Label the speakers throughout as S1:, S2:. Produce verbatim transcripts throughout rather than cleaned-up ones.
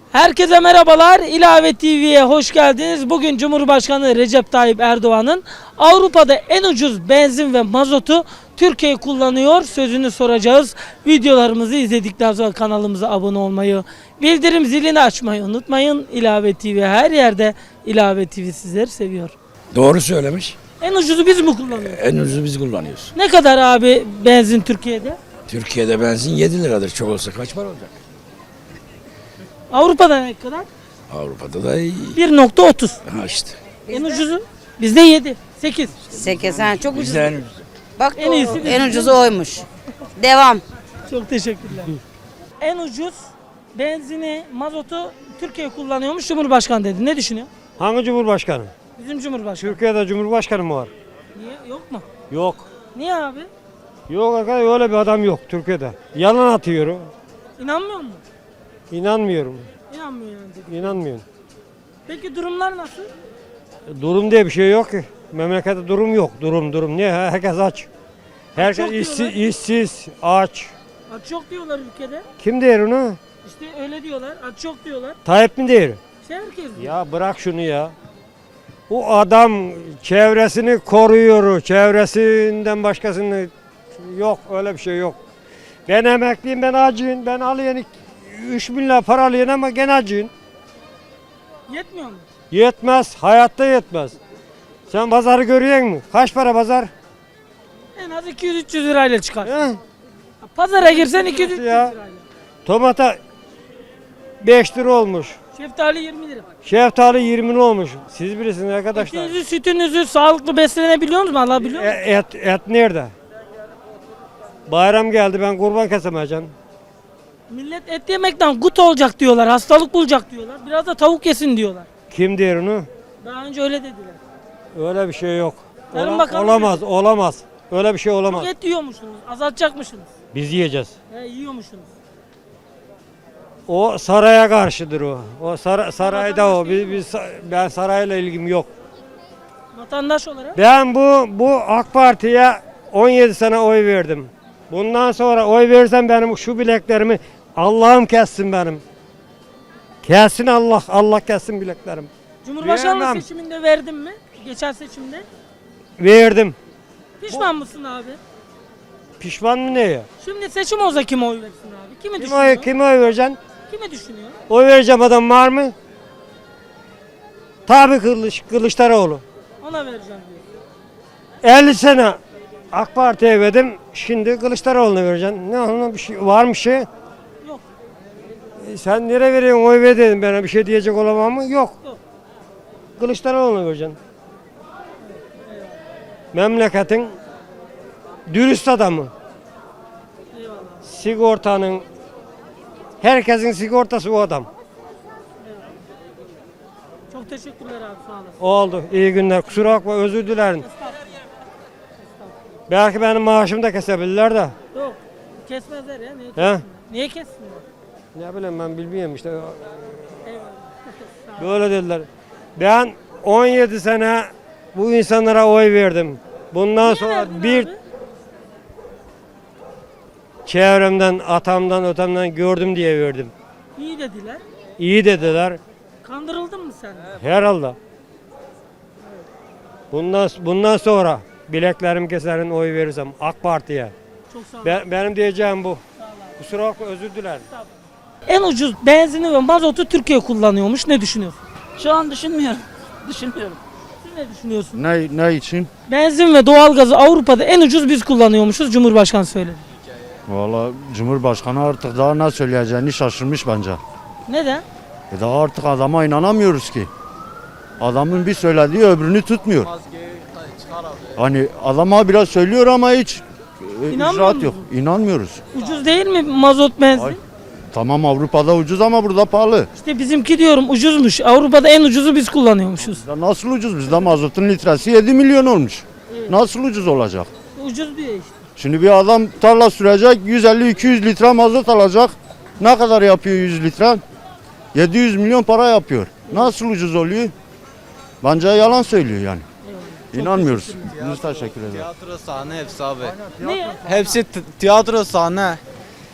S1: Herkese merhabalar. İlave T V'ye hoş geldiniz. Bugün Cumhurbaşkanı Recep Tayyip Erdoğan'ın Avrupa'da en ucuz benzin ve mazotu Türkiye kullanıyor sözünü soracağız. Videolarımızı izledikten sonra kanalımıza abone olmayı, bildirim zilini açmayı unutmayın. İlave T V her yerde. İlave T V sizleri seviyor.
S2: Doğru söylemiş.
S1: En ucuzu biz mi kullanıyoruz?
S2: En ucuzu biz kullanıyoruz.
S1: Ne kadar abi benzin Türkiye'de?
S2: Türkiye'de benzin yedi liradır. Çok olsa kaç para olacak?
S1: Avrupa'da ne kadar?
S2: Avrupa'da da iyi.
S1: bir nokta otuz.
S2: Ha işte.
S1: En ucuzu? Bizde yedi, sekiz.
S3: sekiz ha çok ucuz.
S2: Bizde en ucuzu.
S3: Bak
S1: En iyisi bizim.
S3: en ucuzu oymuş. Devam.
S1: Çok teşekkürler. En ucuz benzini, mazotu Türkiye kullanıyormuş Cumhurbaşkanı dedi. Ne düşünüyor?
S4: Hangi cumhurbaşkanı?
S1: Bizim Cumhurbaşkanı.
S4: Türkiye'de cumhurbaşkanı mı var?
S1: Niye? Yok mu?
S4: Yok.
S1: Niye abi?
S4: Yok arkadaş öyle bir adam yok Türkiye'de. Yalan atıyor. o.
S1: İnanmıyor musun?
S4: İnanmıyorum.
S1: İnanmıyor yani dedi.
S4: İnanmıyorum.
S1: Peki durumlar nasıl?
S4: Durum diye bir şey yok ki. Memlekette durum yok. Durum durum. Niye? Herkes aç. Herkes
S1: Çok
S4: işsiz,
S1: diyorlar.
S4: işsiz, aç.
S1: Aç yok diyorlar ülkede.
S4: Kim der onu?
S1: İşte öyle diyorlar. Aç yok diyorlar.
S4: Tayyip mi der?
S1: Şey herkes diyor.
S4: Ya bırak şunu ya. Bu adam çevresini koruyor. Çevresinden başkasını yok. Öyle bir şey yok. Ben emekliyim, ben acıyım. Ben alıyorum üç bin lira para alıyorum ama gene acıyım.
S1: Yetmiyor mu?
S4: Yetmez. Hayatta yetmez. Sen pazarı görüyor musun? Kaç para pazar?
S1: En az iki yüz üç yüz lirayla çıkar.
S4: He?
S1: Pazara girsen iki yüz üç yüz
S4: Ya.
S1: lirayla.
S4: Tomata beş lira olmuş.
S1: Şeftali yirmi lira.
S4: Şeftali yirmi lira olmuş. Siz bilirsiniz arkadaşlar.
S1: Etinizi, sütünüzü sağlıklı beslenebiliyor musunuz? Alabiliyor musunuz?
S4: E, et, et nerede? Bayram geldi, ben kurban kesemeyeceğim.
S1: Millet et yemekten gut olacak diyorlar, hastalık bulacak diyorlar. Biraz da tavuk yesin diyorlar.
S4: Kim der onu?
S1: Daha önce öyle dediler.
S4: Öyle bir şey yok.
S1: Tarım
S4: Ola-
S1: Bakanı
S4: olamaz, olamaz. Öyle bir şey olamaz.
S1: Et yiyormuşsunuz, azaltacakmışsınız.
S4: Biz yiyeceğiz.
S1: He, yiyormuşsunuz.
S4: O saraya karşıdır o. O sara- sarayda o.
S1: vatandaş değil
S4: Biz, biz ben sarayla ilgim yok.
S1: Vatandaş olarak
S4: Ben bu bu AK Parti'ye on yedi sene oy verdim. Bundan sonra oy verirsem benim şu bileklerimi Allah'ım kessin benim. Kessin Allah, Allah kessin bileklerim.
S1: Cumhurbaşkanlığı
S4: Vermem.
S1: seçiminde verdin mi? Geçen seçimde.
S4: Verdim.
S1: Pişman mısın abi?
S4: Pişman mı neye?
S1: Şimdi seçim olsa kime oy versin abi? Kimi
S4: Kim
S1: düşünüyor?
S4: oy, kime oy vereceksin?
S1: Kimi düşünüyor?
S4: Oy vereceğim adam var mı? Tabii Kılıç, Kılıçdaroğlu.
S1: Ona vereceğim diyor.
S4: elli sene AK Parti'ye verdim. Şimdi Kılıçdaroğlu'na vereceksin. Ne ona bir şey var mı şey?
S1: Yok.
S4: E sen nereye veriyorsun oy ver dedim, bana bir şey diyecek olamam mı? Yok.
S1: Yok.
S4: Kılıçdaroğlu'na vereceksin. Memleketin dürüst adamı.
S1: Eyvallah.
S4: Sigortanın, herkesin sigortası o adam.
S1: Çok teşekkürler abi, sağ olasın.
S4: Oldu. İyi günler. Kusura bakma, özür dilerim. Belki benim maaşımı da kesebilirler de.
S1: Yok. Kesmezler ya. Niye
S4: He?
S1: kessinler? Niye kessinler?
S4: Ne bileyim ben bilmiyorum işte.
S1: Eyvallah.
S4: Böyle dediler. Ben on yedi sene bu insanlara oy verdim. Bundan
S1: Niye
S4: sonra
S1: verdin
S4: bir
S1: abi?
S4: çevremden, atamdan, ötemden gördüm diye verdim.
S1: İyi dediler.
S4: İyi dediler.
S1: Kandırıldın mı sen?
S4: Herhalde. Bundan bundan sonra bileklerim keserin oy verirsem AK Parti'ye.
S1: Çok sağ ol.
S4: Ben, benim diyeceğim bu. Kusura bakma, özür dilerim.
S1: En ucuz benzini ve mazotu Türkiye kullanıyormuş. Ne düşünüyorsun?
S5: Şu an düşünmüyorum. Düşünmüyorum.
S1: Siz ne düşünüyorsun?
S6: Ne, ne için?
S1: Benzin ve doğalgazı Avrupa'da en ucuz biz kullanıyormuşuz. Cumhurbaşkanı söyledi.
S6: Valla Cumhurbaşkanı artık daha ne söyleyeceğini şaşırmış bence.
S1: Neden?
S6: E daha artık adama inanamıyoruz ki. Adamın bir söylediği öbürünü tutmuyor. Hani adama biraz söylüyor ama hiç e,
S1: İnanmıyor
S6: icraat yok.
S1: musun?
S6: İnanmıyoruz.
S1: Ucuz değil mi mazot benzin?
S6: Ay. Tamam, Avrupa'da ucuz ama burada pahalı.
S1: İşte bizimki diyorum ucuzmuş. Avrupa'da en ucuzu biz kullanıyormuşuz.
S6: Ya nasıl ucuz? Bizde mazotun litresi yedi milyon olmuş. Nasıl ucuz olacak?
S1: Ucuz diyor işte.
S6: Şimdi bir adam tarla sürecek, yüz elli iki yüz litre mazot alacak. Ne kadar yapıyor yüz litre? yedi yüz milyon para yapıyor. Nasıl ucuz oluyor? Bence yalan söylüyor yani. İnanmıyoruz. Biz teşekkür ederiz.
S7: Tiyatro sahne hepsi abi.
S1: Ne ya?
S7: Hepsi t- tiyatro sahne.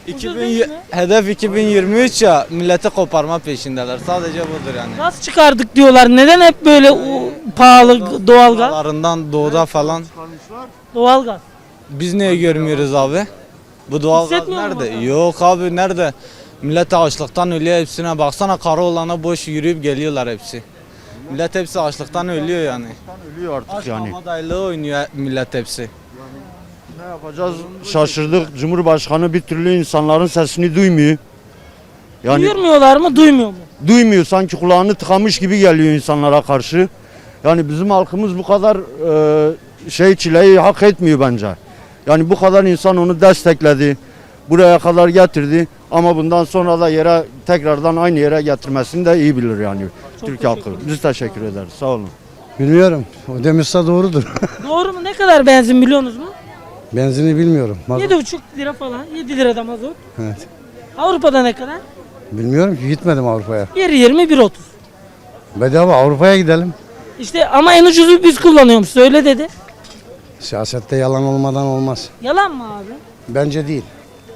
S1: Ucuz
S7: iki bin,
S1: değil mi?
S7: hedef iki bin yirmi üç ya, milleti koparma peşindeler. Sadece budur yani.
S1: Gaz çıkardık diyorlar. Neden hep böyle o, pahalı doğalgaz?
S7: Dağlarından doğuda falan.
S1: Doğalgaz.
S7: Biz niye görmüyoruz abi? Bu doğal gaz
S1: Hissetmiyor musun
S7: nerede?
S1: bakalım?
S7: Yok abi, nerede? Millet açlıktan ölüyor hepsine. Baksana karı olana boş yürüyüp geliyorlar hepsi. Millet hepsi açlıktan ölüyor yani.
S6: Ölüyor artık
S7: Aç
S6: yani.
S7: mama dayılığı oynuyor millet hepsi.
S6: Ne yapacağız? Şaşırdık. Cumhurbaşkanı bir türlü insanların sesini duymuyor. Yani
S1: Duyurmuyorlar mı, duymuyor mu?
S6: duymuyor, sanki kulağını tıkamış gibi geliyor insanlara karşı. Yani bizim halkımız bu kadar e, şey çileyi hak etmiyor bence. Yani bu kadar insan onu destekledi. Buraya kadar getirdi ama bundan sonra da yere tekrardan aynı yere getirmesini de iyi bilir yani Türk halkı. Biz teşekkür ederiz. Sağ olun.
S8: Bilmiyorum. O demişse doğrudur.
S1: Doğru mu? Ne kadar benzin biliyorsunuz mu?
S8: Benzini bilmiyorum. Mazot-
S1: yedi buçuk lira falan. yedi lirada mazot.
S8: Evet.
S1: Avrupa'da ne kadar?
S8: Bilmiyorum ki, gitmedim Avrupa'ya.
S1: bir yirmi bir otuz.
S8: Bedava Avrupa'ya gidelim.
S1: İşte ama en ucuzu biz kullanıyoruz. Öyle dedi.
S8: Siyasette yalan olmadan olmaz.
S1: Yalan mı abi?
S8: Bence değil.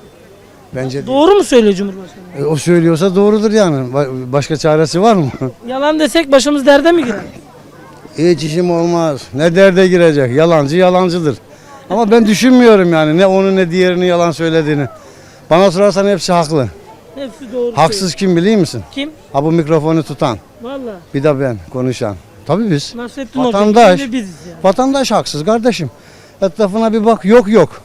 S8: Bence değil.
S1: Doğru mu söylüyor Cumhurbaşkanı?
S8: E, o söylüyorsa doğrudur yani. Ba- Başka çaresi var mı?
S1: Yalan desek başımız derde mi girer?
S8: Hiç işim olmaz. Ne derde girecek? Yalancı yalancıdır. Ama ben düşünmüyorum yani ne onu ne diğerini yalan söylediğini. Bana sorarsan hepsi haklı.
S1: Hepsi doğru
S8: Haksız kim biliyor musun?
S1: söylüyor. Kim?
S8: Ha bu mikrofonu tutan.
S1: Valla.
S8: Bir de ben konuşan. Tabii biz.
S1: Nasrettin Hoca.
S8: Vatandaş.
S1: Biz de biziz yani.
S8: Vatandaş haksız kardeşim. Etrafına bir bak, yok yok.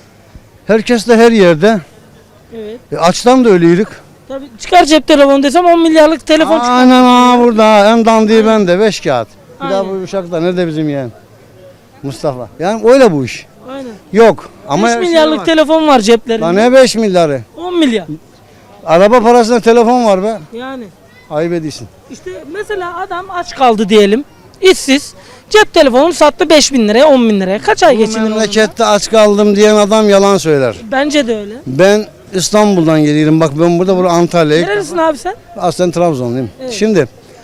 S8: Herkes de her yerde.
S1: Evet.
S8: E, açtan da ölüydük.
S1: Tabii çıkar cep telefonu desem on milyarlık telefon çıkar.
S8: Aynen ha burada en dandiği bende beş kağıt. Bir daha
S1: Aynen.
S8: bu uşakta nerede bizim yeğen? Mustafa. Yani öyle bu iş.
S1: Aynen.
S8: Yok. Ama
S1: beş
S8: her şey
S1: milyarlık
S8: var.
S1: telefon var ceplerinde.
S8: Lan ne beş milyarı?
S1: on milyar.
S8: Araba parasına telefon var be.
S1: Yani.
S8: Ayıp ediyorsun.
S1: İşte mesela adam aç kaldı diyelim. İşsiz. Cep telefonunu sattı beş bin liraya on bin liraya. Kaç ay
S8: Bu
S1: geçinir onunla?
S8: memlekette aç kaldım diyen adam yalan söyler.
S1: Bence de öyle.
S8: Ben İstanbul'dan geliyorum. Bak ben burada burada Antalya'ya.
S1: Nerelisin abi sen?
S8: Aslen Trabzonluyum.
S1: Evet.
S8: Şimdi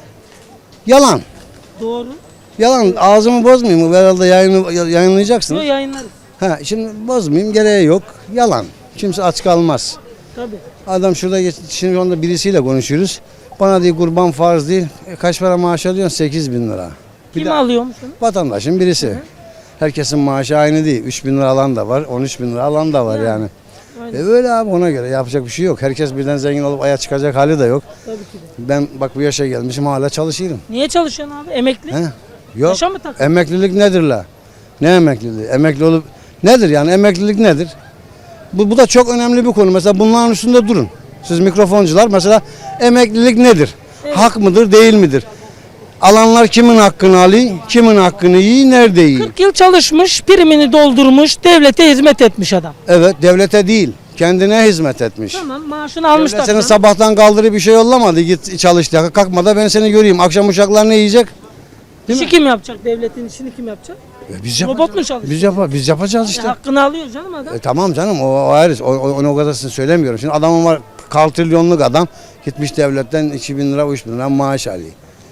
S8: yalan.
S1: Doğru.
S8: Yalan ağzımı bozmayayım. Herhalde yayını, yayınlayacaksınız.
S1: Yok yayınlarız.
S8: Ha, şimdi bozmayayım, gereği yok. Yalan. Kimse aç kalmaz.
S1: Tabii.
S8: Adam şurada geç, şimdi şu anda birisiyle konuşuyoruz. Bana diyor kurban farz değil. E, kaç para maaş alıyorsun? sekiz bin lira. Bir
S1: Kim
S8: de
S1: alıyormuş onu?
S8: vatandaşın birisi. Herkesin maaşı aynı değil. üç bin lira alan da var, on üç bin lira alan da var yani.
S1: Aynen.
S8: E öyle abi, ona göre yapacak bir şey yok. Herkes birden zengin olup aya çıkacak hali de yok.
S1: Tabii ki de.
S8: Ben bak bu yaşa gelmişim hala çalışıyorum.
S1: Niye çalışıyorsun abi? Emekli.
S8: He? Yok.
S1: Yaşa mı tak?
S8: Emeklilik nedir la? Ne emekliliği? Emekli olup nedir yani, emeklilik nedir? Bu, bu da çok önemli bir konu. Mesela bunların üstünde durun. Siz mikrofoncular mesela emeklilik nedir?
S1: Evet.
S8: Hak mıdır, değil midir? Alanlar kimin hakkını alıyor, kimin hakkını yiyor, nerede yiyor?
S1: kırk yıl çalışmış, primini doldurmuş, devlete hizmet etmiş adam.
S8: Evet, devlete değil, kendine hizmet etmiş.
S1: Tamam, maaşını almış
S8: Devlet seni
S1: tabii.
S8: sabahtan kaldırıp bir şey yollamadı, git çalış diye. Kalkma da ben seni göreyim. Akşam uçaklar ne yiyecek? Değil
S1: İşi
S8: mi?
S1: kim yapacak? Devletin işini kim yapacak?
S8: E, biz
S1: Robot
S8: yapacağız.
S1: mu çalışıyor?
S8: Biz, yapa, biz yapacağız
S1: E,
S8: işte.
S1: hakkını alıyor canım adam.
S8: E, tamam canım, o, o ayrı. O, o, onu o kadarını söylemiyorum. Şimdi adamın var, kaltrilyonluk adam gitmiş devletten iki bin lira, üç bin lira maaş alıyor.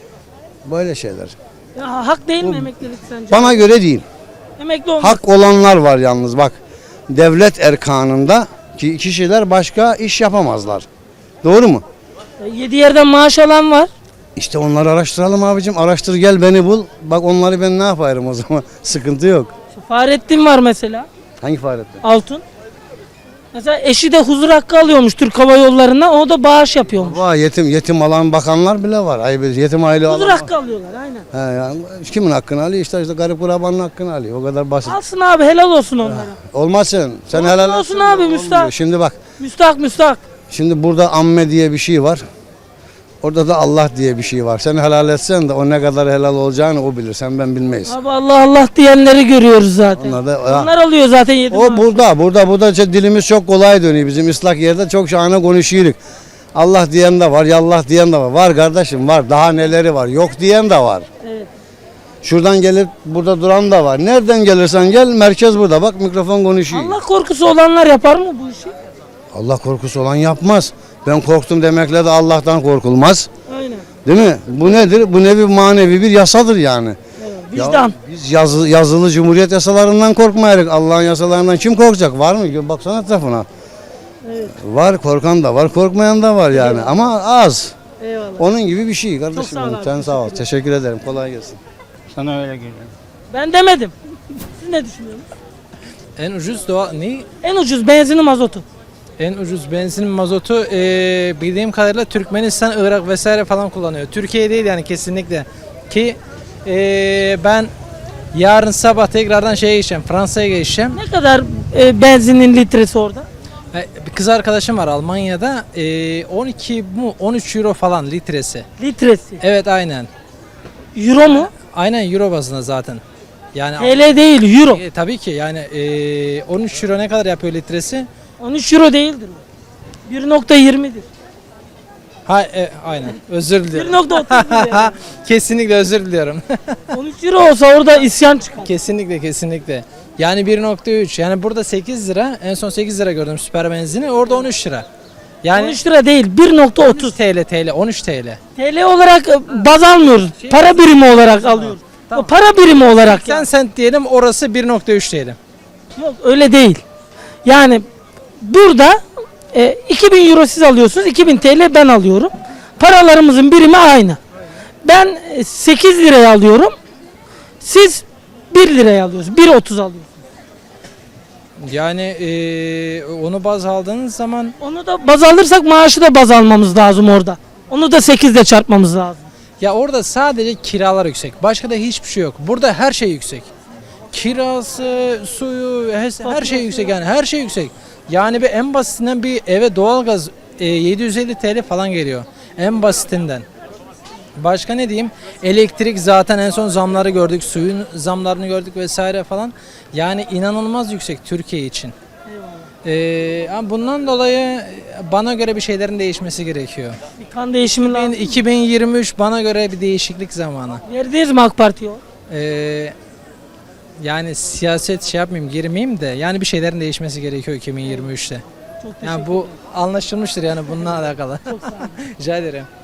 S8: Böyle şeyler.
S1: Ya, hak değil mi emeklilik sence?
S8: Bana göre değil.
S1: Emekli olmak.
S8: Hak olanlar var yalnız bak. Devlet erkanında ki kişiler başka iş yapamazlar. Doğru mu?
S1: E, Yedi yerden maaş alan var.
S8: İşte onları araştıralım abicim. Araştır, gel beni bul. Bak onları ben ne yaparım o zaman. Sıkıntı yok.
S1: İşte Fahrettin var mesela.
S8: Hangi Fahrettin?
S1: Altun. Mesela eşi de huzur hakkı alıyormuş Türk Hava Yolları'ndan. O da bağış yapıyormuş.
S8: Var yetim yetim alan bakanlar bile var. Ay, yetim aile
S1: Huzur
S8: alan.
S1: hakkı alıyorlar aynen.
S8: He, yani kimin hakkını alıyor? İşte, işte garip kurabanın hakkını alıyor. O kadar basit.
S1: Alsın abi, helal olsun onlara.
S8: Olmasın. Sen
S1: Olsun,
S8: helal
S1: olsun
S8: etsen de
S1: abi,
S8: olmuyor.
S1: müstahak.
S8: Şimdi bak.
S1: Müstahak müstahak.
S8: Şimdi burada amme diye bir şey var. Orada da Allah diye bir şey var. Sen helal etsen de o ne kadar helal olacağını o bilir. Sen ben bilmeyiz.
S1: Abi Allah Allah diyenleri görüyoruz zaten.
S8: Onlar da-
S1: Onlar alıyor zaten yedi
S8: O
S1: maaş.
S8: burada, burada, burada işte dilimiz çok kolay dönüyor. Bizim ıslak yerde çok şahane konuşuyoruz. Allah diyen de var, yallah diyen de var. Var kardeşim var. Daha neleri var. Yok diyen de var.
S1: Evet.
S8: Şuradan gelip burada duran da var. Nereden gelirsen gel, merkez burada. Bak mikrofon konuşuyor.
S1: Allah korkusu olanlar yapar mı bu işi?
S8: Allah korkusu olan yapmaz. Ben korktum demekle de Allah'tan korkulmaz.
S1: Aynen.
S8: Değil mi? Bu nedir? Bu ne bir manevi bir yasadır yani.
S1: Evet.
S8: Ya
S1: Vicdan.
S8: biz yazı, yazılı cumhuriyet yasalarından korkmayarız. Allah'ın yasalarından kim korkacak? Var mı? Baksana etrafına.
S1: Evet.
S8: Var korkan da var, korkmayan da var yani ama az.
S1: Eyvallah.
S8: Onun gibi bir şey kardeşim.
S1: Çok sağ ol
S8: benim.
S1: abi,
S8: Sen sağ ol.
S1: teşekkür
S8: Teşekkür ederim. Kolay gelsin.
S9: Sana öyle geliyor.
S1: Ben demedim. Siz ne düşünüyorsunuz?
S10: En ucuz doğa ne?
S1: En ucuz benzini mazotu.
S10: En ucuz benzin mazotu eee, bildiğim kadarıyla Türkmenistan, Irak vesaire falan kullanıyor. Türkiye değil yani kesinlikle. Ki eee, ben yarın sabah tekrardan şeye geçeceğim, Fransa'ya geçeceğim.
S1: Ne kadar e, benzinin litresi orada?
S10: E, Bir kız arkadaşım var Almanya'da. eee, on iki mu on üç euro falan litresi.
S1: Litresi.
S10: Evet aynen.
S1: Euro mu?
S10: Aynen euro bazında zaten. Yani
S1: T L değil, euro.
S10: e, tabii ki yani eee, on üç euro ne kadar yapıyor litresi?
S1: on üç euro değildir bu. bir nokta yirmidir.
S10: Ha e, aynen. Özür diliyorum.
S1: bir nokta otuzdur yani.
S10: Kesinlikle özür diliyorum.
S1: on üç euro olsa orada isyan çıkar.
S10: Kesinlikle kesinlikle. Yani bir nokta üç. Yani burada sekiz lira. En son sekiz lira gördüm süper benzini. Orada on üç lira. Yani
S1: on üç lira değil, bir nokta
S10: on
S1: otuz.
S10: üç T L T L on üç T L.
S1: T L olarak e, baz almıyoruz. Para birimi olarak alıyoruz. O para birimi olarak.
S10: seksen
S1: yani.
S10: sent diyelim orası bir nokta üç diyelim.
S1: Yok öyle değil. Yani burada e, iki bin euro siz alıyorsunuz, iki bin T L ben alıyorum. Paralarımızın birimi aynı. Ben e, sekiz liraya alıyorum. Siz bir liraya alıyorsunuz. bir otuz alıyorsunuz.
S10: Yani eee, onu baz aldığınız zaman
S1: Onu da baz alırsak maaşı da baz almamız lazım orada. Onu da sekizle çarpmamız lazım.
S10: ya orada sadece kiralar yüksek. Başka da hiçbir şey yok. Burada her şey yüksek. Kirası, suyu, her, her şey yüksek yani her şey yüksek. Yani bir en basitinden bir eve doğalgaz e, yedi yüz elli T L falan geliyor. En basitinden. Başka ne diyeyim? Elektrik zaten en son zamları gördük, suyun zamlarını gördük vesaire falan. Yani inanılmaz yüksek Türkiye için. Ee, ama bundan dolayı bana göre bir şeylerin değişmesi gerekiyor.
S1: Bir kan değişimi lazım.
S10: iki bin yirmi üç bana göre bir değişiklik zamanı.
S1: Verdiniz mi AK Parti'ye o?
S10: Ee, yani siyaset şey yapmayayım, girmeyeyim de yani bir şeylerin değişmesi gerekiyor iki bin yirmi üçte.
S1: Çok teşekkür
S10: Yani bu anlaşılmıştır yani bununla alakalı.
S1: Çok sağ olun.
S10: Rica ederim.